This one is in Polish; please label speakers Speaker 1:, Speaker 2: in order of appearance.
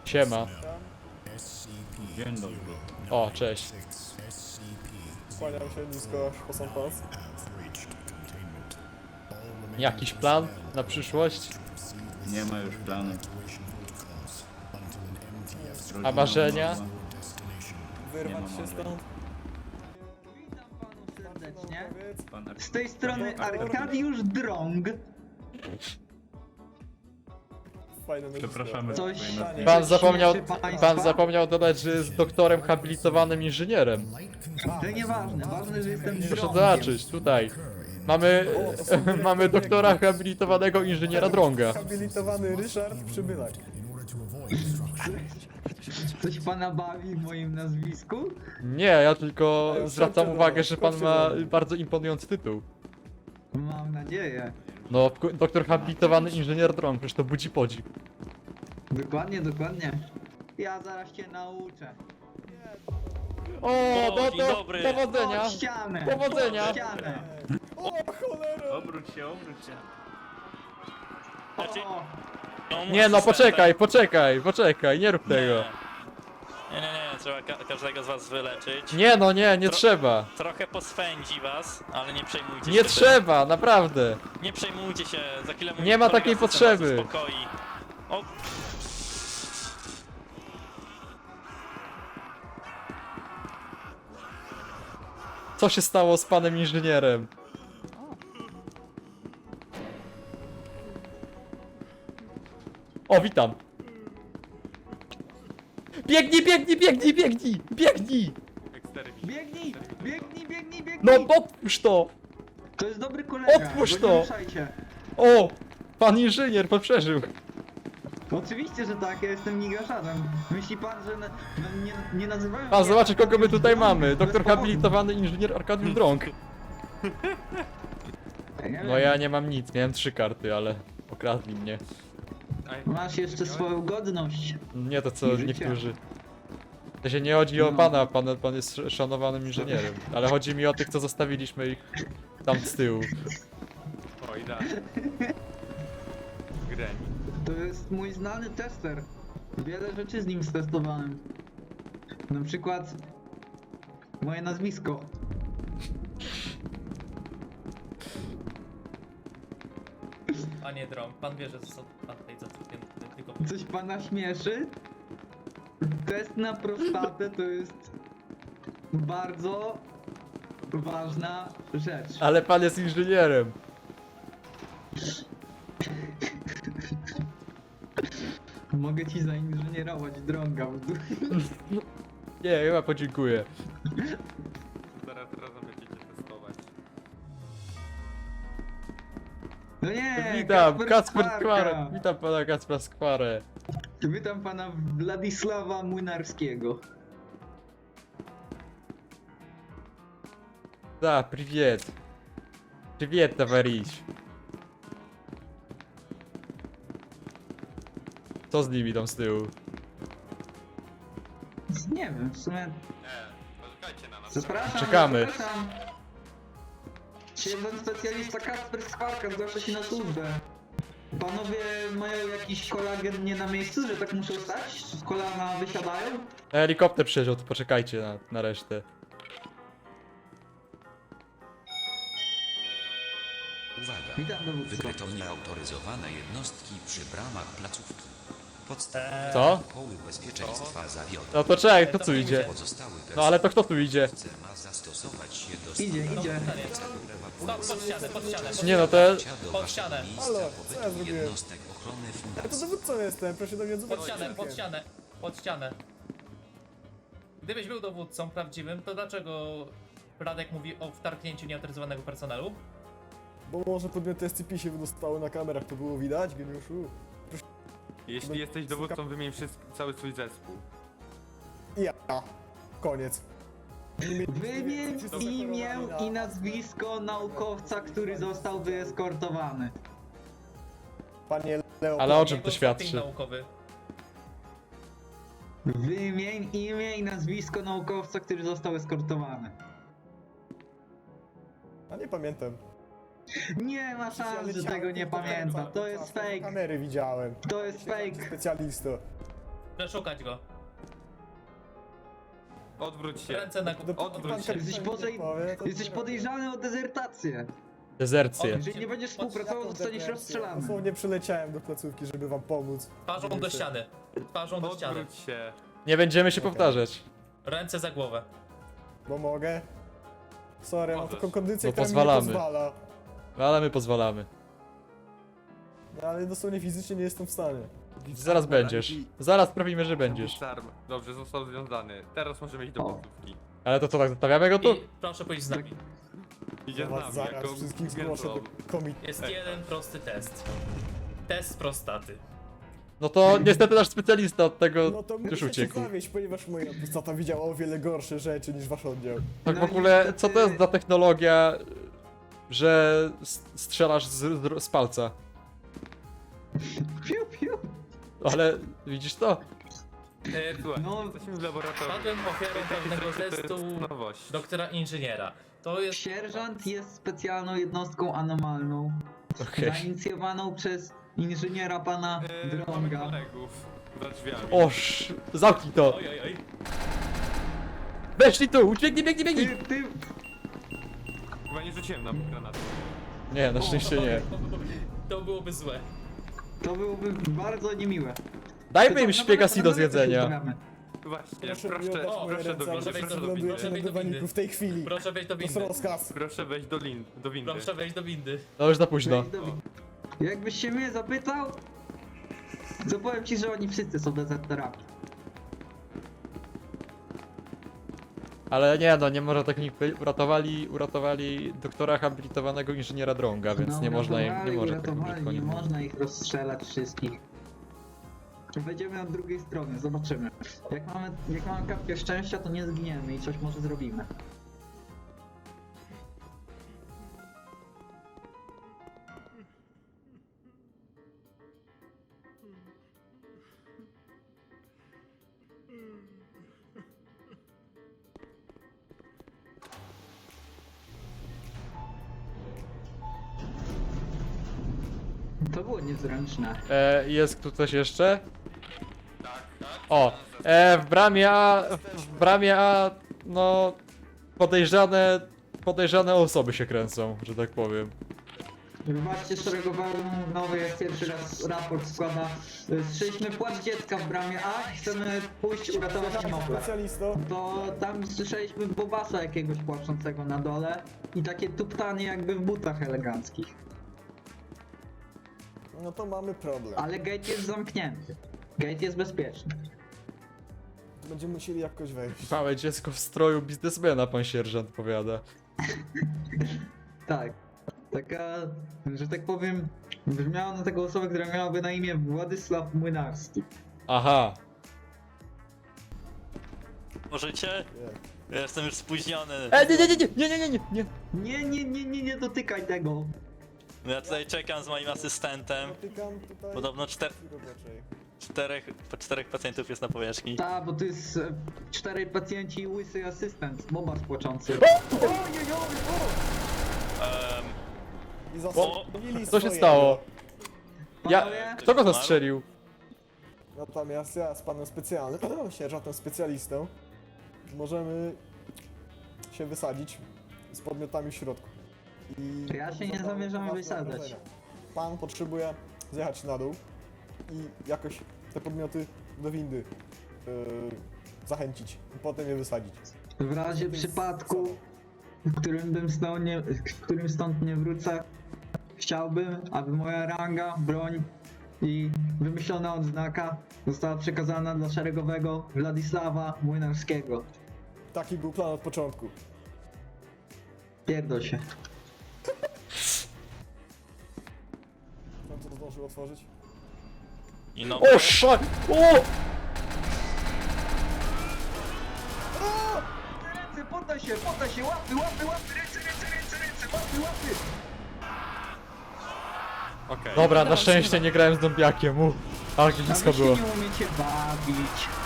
Speaker 1: Siema.
Speaker 2: Dzień dobry.
Speaker 1: O, cześć.
Speaker 3: Kłaniam się nisko, posąg pas.
Speaker 1: Jakiś plan na przyszłość?
Speaker 2: Nie ma już planu.
Speaker 1: A marzenia?
Speaker 3: Wyrwać
Speaker 2: Nie
Speaker 3: się
Speaker 2: ma
Speaker 3: stąd.
Speaker 4: Witam panów serdecznie.
Speaker 2: Pan
Speaker 4: Z tej strony Arkadiusz Drąg.
Speaker 3: Fajne nazwisko.
Speaker 2: Przepraszamy.
Speaker 4: Coś
Speaker 1: Pan zapomniał dodać, że jest doktorem habilitowanym inżynierem.
Speaker 4: To nieważne, ważne, że jestem
Speaker 1: Proszę
Speaker 4: Drągiem.
Speaker 1: zobaczyć, tutaj. Mamy doktora habilitowanego inżyniera Drąga.
Speaker 3: Habilitowany Ryszard Przybylak.
Speaker 4: Coś pana bawi w moim nazwisku?
Speaker 1: Nie, ja tylko zwracam uwagę, że pan ma bardzo imponujący tytuł.
Speaker 4: Mam nadzieję.
Speaker 1: No, doktor habilitowany inżynier Drąg, przecież to budzi podziw.
Speaker 4: Dokładnie, dokładnie. Ja zaraz cię nauczę.
Speaker 1: O, no
Speaker 5: dzień
Speaker 1: to
Speaker 5: dobry.
Speaker 1: powodzenia!
Speaker 4: Pod ścianę!
Speaker 1: Powodzenia.
Speaker 4: Pod ścianę!
Speaker 3: O cholera!
Speaker 2: Obróć się, obróć się.
Speaker 5: Znaczy,
Speaker 4: O,
Speaker 5: no,
Speaker 1: Nie no, poczekaj, nie rób tego.
Speaker 5: Nie, trzeba każdego z was wyleczyć.
Speaker 1: Nie no, nie trzeba.
Speaker 5: Trochę poswędzi was, ale nie przejmujcie się
Speaker 1: Nie
Speaker 5: tym.
Speaker 1: trzeba, naprawdę.
Speaker 5: Nie przejmujcie się, za chwilę mój
Speaker 1: Nie ma
Speaker 5: kolega
Speaker 1: takiej
Speaker 5: system
Speaker 1: potrzeby.
Speaker 5: was uspokoi. O,
Speaker 1: Co się stało z panem inżynierem? O, witam. Biegnij!
Speaker 4: biegnij! Biegnij!
Speaker 1: No, otwórz to!
Speaker 4: To jest dobry kolega,
Speaker 1: Otwórz
Speaker 4: go
Speaker 1: to.
Speaker 4: nie ruszajcie.
Speaker 1: O! Pan inżynier, pan przeżył.
Speaker 4: Oczywiście, że tak, ja jestem nigaszarzem. Myśli pan, że nie nazywają
Speaker 1: Pan
Speaker 4: mnie
Speaker 1: zobaczy, kogo my
Speaker 4: Arkadiusz
Speaker 1: tutaj
Speaker 4: Drąg
Speaker 1: mamy.
Speaker 4: bez
Speaker 1: Doktor
Speaker 4: powodu.
Speaker 1: habilitowany inżynier Arkadiusz Drąg. No ja nie mam nic, miałem 3 karty, ale okradli mnie.
Speaker 4: Masz jeszcze swoją godność.
Speaker 1: Nie to co
Speaker 4: I życie.
Speaker 1: niektórzy. To się nie chodzi o
Speaker 4: No.
Speaker 1: pana, pan jest szanowanym inżynierem. Ale chodzi mi o tych, co zostawiliśmy ich tam z tyłu.
Speaker 6: Oj, da. Greni.
Speaker 4: To jest mój znany tester. Wiele rzeczy z nim stestowałem. Na przykład moje nazwisko.
Speaker 7: Panie Drąg, pan wie, że został pan tutaj zatrudniony tylko...
Speaker 4: Coś pana śmieszy? Test na prostatę to jest bardzo ważna rzecz.
Speaker 1: Ale pan jest inżynierem.
Speaker 4: Mogę ci zainżynierować drąga w dół.
Speaker 1: Nie, chyba podziękuję.
Speaker 6: Zaraz razem będziecie testować.
Speaker 4: No nie,
Speaker 1: Witam, Kacper
Speaker 4: Skwarka.
Speaker 1: Skwarę. Witam pana Kacpra Skwarę.
Speaker 4: Witam pana Władysława Młynarskiego.
Speaker 1: Da, привет. Привет, товарищ. Co z nimi tam z tyłu?
Speaker 4: Nie wiem, w sumie...
Speaker 6: Poczekajcie na nas.
Speaker 4: Zapraszam,
Speaker 1: Czekamy.
Speaker 4: zapraszam. Jeden specjalista Kacper Skwarka zgłasza się na służbę. Panowie mają jakiś kolagen nie na miejscu, że tak muszą stać? Kolana wysiadają?
Speaker 1: Helikopter przyjeżdżał, to poczekajcie na resztę.
Speaker 8: Uwaga!
Speaker 4: Witam dowódco.
Speaker 8: Wykryto nieautoryzowane jednostki przy bramach placówki. Podstawowe
Speaker 1: Co?
Speaker 8: protokoły bezpieczeństwa zawiodą.
Speaker 1: No to czekaj, kto tu idzie?
Speaker 8: Pozostały
Speaker 1: No ale to kto tu idzie?
Speaker 8: personel ma zastosować się do
Speaker 4: Idzie.
Speaker 7: Pod ścianę, pod ścianę.
Speaker 1: Nie no to...
Speaker 8: do
Speaker 7: Pod
Speaker 8: waszego
Speaker 7: ścianę.
Speaker 8: miejsca
Speaker 3: Halo, co ja
Speaker 8: pobytu
Speaker 3: zrobiłem?
Speaker 8: jednostek ochrony
Speaker 3: Ja to
Speaker 8: fundacji.
Speaker 3: dowódcą jestem, proszę do mnie odzwać.
Speaker 7: Pod ścianę. Gdybyś był dowódcą prawdziwym, to dlaczego Radek mówi o wtargnięciu nieautoryzowanego personelu?
Speaker 3: Bo może podmioty SCP się wydostały na kamerach, to było widać, geniuszu.
Speaker 6: Jeśli jesteś dowódcą, wymień cały swój zespół.
Speaker 3: I ja. Koniec.
Speaker 4: Wymień imię i nazwisko naukowca, który został wyeskortowany.
Speaker 3: Panie Leo.
Speaker 1: Ale o czym
Speaker 7: Jego
Speaker 1: to świadczy?
Speaker 7: stopień naukowy.
Speaker 4: Wymień imię i nazwisko naukowca, który został eskortowany.
Speaker 3: A nie pamiętam.
Speaker 4: Nie ma szans, że tego nie pamięta. To jest fake.
Speaker 3: Kamery widziałem.
Speaker 4: To jest fake.
Speaker 3: Specjalisto.
Speaker 7: Przeszukać go.
Speaker 6: Odwróć się.
Speaker 7: Ręce na
Speaker 6: Odwróć się.
Speaker 4: Jesteś podejrzany o dezertację.
Speaker 1: Dezercję.
Speaker 4: Jeżeli nie będziesz współpracował, zostaniesz rozstrzelany.
Speaker 3: Dosłownie przyleciałem do placówki, żeby wam pomóc.
Speaker 7: Twarzą do ściany. Twarzą do ściany.
Speaker 6: Odwróć się.
Speaker 1: Nie będziemy się powtarzać.
Speaker 7: Ręce za głowę.
Speaker 3: Bo mogę. Sorry, mam
Speaker 6: Możesz.
Speaker 3: taką kondycję,
Speaker 1: No
Speaker 3: która mi nie
Speaker 1: pozwalamy.
Speaker 3: pozwala.
Speaker 1: Ale my pozwalamy.
Speaker 3: No, ale dosłownie fizycznie nie jestem w stanie.
Speaker 1: Zaraz będziesz. Zaraz sprawimy, że będziesz.
Speaker 6: Disarm. Dobrze, został związany. Teraz możemy iść do placówki.
Speaker 1: Ale to co, tak zostawiamy go tu?
Speaker 7: I proszę pójść z nami.
Speaker 6: Idzie
Speaker 3: Ja
Speaker 6: z
Speaker 3: was
Speaker 6: nami,
Speaker 3: zaraz
Speaker 6: jako
Speaker 3: wszystkich zgłoszę do
Speaker 6: gębą.
Speaker 3: komitetu.
Speaker 7: Jest jeden prosty test. Test prostaty.
Speaker 1: No to niestety nasz specjalista od tego
Speaker 3: No to
Speaker 1: już
Speaker 3: muszę się
Speaker 1: uciekł.
Speaker 3: zawieść, ponieważ moja prostata widziała o wiele gorsze rzeczy niż wasz oddział.
Speaker 1: Tak w
Speaker 4: No
Speaker 1: ogóle,
Speaker 4: niestety-
Speaker 1: co to jest za technologia, że strzelasz z palca?
Speaker 4: Piu, piu.
Speaker 1: Ale widzisz to?
Speaker 6: Słuchaj,
Speaker 4: No.
Speaker 6: jesteśmy w laboratorium.
Speaker 7: Padłem ofiarą pewnego
Speaker 6: To jest
Speaker 7: testu
Speaker 6: nowość.
Speaker 7: doktora inżyniera. To jest...
Speaker 4: Sierżant jest specjalną jednostką anomalną,
Speaker 1: Okej.
Speaker 4: zainicjowaną przez inżyniera pana
Speaker 6: Mamy
Speaker 4: Drąga.
Speaker 6: kolegów za drzwiami.
Speaker 1: Oż, zamknij to!
Speaker 7: Oj, oj, oj.
Speaker 1: Weszli tu! Ucieknij, biegnij, biegnij!
Speaker 4: Ty,
Speaker 6: Chyba nie rzuciłem nam granatu.
Speaker 1: Nie, na szczęście nie.
Speaker 7: To byłoby złe.
Speaker 4: to byłoby bardzo niemiłe.
Speaker 1: Dajmy im szpiegasi do zjedzenia.
Speaker 4: Pozdrawiamy.
Speaker 6: Właśnie,
Speaker 3: Proszę mi
Speaker 6: proszę,
Speaker 3: oddać moje
Speaker 6: proszę do
Speaker 3: ręce,
Speaker 6: windy,
Speaker 3: ale
Speaker 6: proszę do
Speaker 3: ląduję
Speaker 6: windy.
Speaker 3: na dywaniku w tej chwili.
Speaker 7: Proszę wejść do
Speaker 3: To jest
Speaker 7: windy.
Speaker 3: rozkaz.
Speaker 6: Proszę wejść do windy.
Speaker 7: Proszę wejść do windy.
Speaker 1: No już za późno.
Speaker 4: Jakbyś się mnie zapytał, to powiem ci, że oni wszyscy są dezerterami.
Speaker 1: Ale nie no, nie może tak nikt być. Uratowali doktora habilitowanego inżyniera Drąga, więc
Speaker 4: No,
Speaker 1: nie można im, nie
Speaker 4: uratowali,
Speaker 1: może tak
Speaker 4: uratowali,
Speaker 1: brzydko
Speaker 4: nie
Speaker 1: mówić.
Speaker 4: można ich rozstrzelać wszystkich. Wejdziemy od drugiej strony, zobaczymy. Jak mamy kapkę szczęścia, to nie zginiemy i coś może zrobimy. To było niezręczne.
Speaker 1: Jest tu coś jeszcze? O, w bramie A, no, podejrzane osoby się kręcą, że tak powiem.
Speaker 4: Wybaczcie, szeregowałem nowy, jak pierwszy raz raport składa. Słyszeliśmy płacz dziecka w bramie A i chcemy pójść uratować niemowlę.
Speaker 3: Specjalisto.
Speaker 4: To tam słyszeliśmy Bobasa jakiegoś płaczącego na dole i takie tuptanie jakby w butach eleganckich.
Speaker 3: No to mamy problem.
Speaker 4: Ale gate jest zamknięty. Gate jest bezpieczny.
Speaker 3: Będziemy musieli jakoś wejść.
Speaker 1: Małe dziecko w stroju biznesmena, pan sierżant powiada.
Speaker 4: Tak. Taka, że tak powiem, brzmiała na taką osobę, która miałaby na imię Władysław Młynarski.
Speaker 1: Aha,
Speaker 5: Możecie? Ja jestem już spóźniony.
Speaker 1: nie.
Speaker 4: Nie dotykaj tego.
Speaker 5: Ja tutaj czekam z moim asystentem.
Speaker 3: Dotykam tutaj.
Speaker 5: Podobno
Speaker 3: raczej.
Speaker 5: po czterech pacjentów jest na powierzchni.
Speaker 4: Ta, bo tu jest 4 pacjenci i łysy asystent, Bobas płaczący.
Speaker 3: I zasobili
Speaker 1: Co się stało?
Speaker 4: Panowie,
Speaker 1: Kto go zastrzelił?
Speaker 3: Natomiast ja z panem specjalnym, sierżantem specjalistą, możemy się wysadzić z podmiotami w środku. I
Speaker 4: Ja się nie
Speaker 3: zadamy
Speaker 4: zamierzamy
Speaker 3: poważne
Speaker 4: wysadzać.
Speaker 3: obrażenia. Pan potrzebuje zjechać na dół i jakoś te podmioty do windy zachęcić i potem je wysadzić.
Speaker 4: w razie przypadku, w którym stąd nie wrócę, chciałbym, aby moja ranga, broń i wymyślona odznaka została przekazana dla szeregowego Władysława Młynarskiego.
Speaker 3: Taki był plan od początku.
Speaker 4: Pierdol się.
Speaker 3: Pan co to zdążył otworzyć?
Speaker 5: I no,
Speaker 1: O, szak! O!
Speaker 4: Ręce, poddaj się, łapy, ręce, łapy!
Speaker 6: Okej.
Speaker 1: Dobra, na szczęście nie grałem z zombiakiem, ale blisko
Speaker 4: A wy się
Speaker 1: było.
Speaker 4: nie umiecie bawić.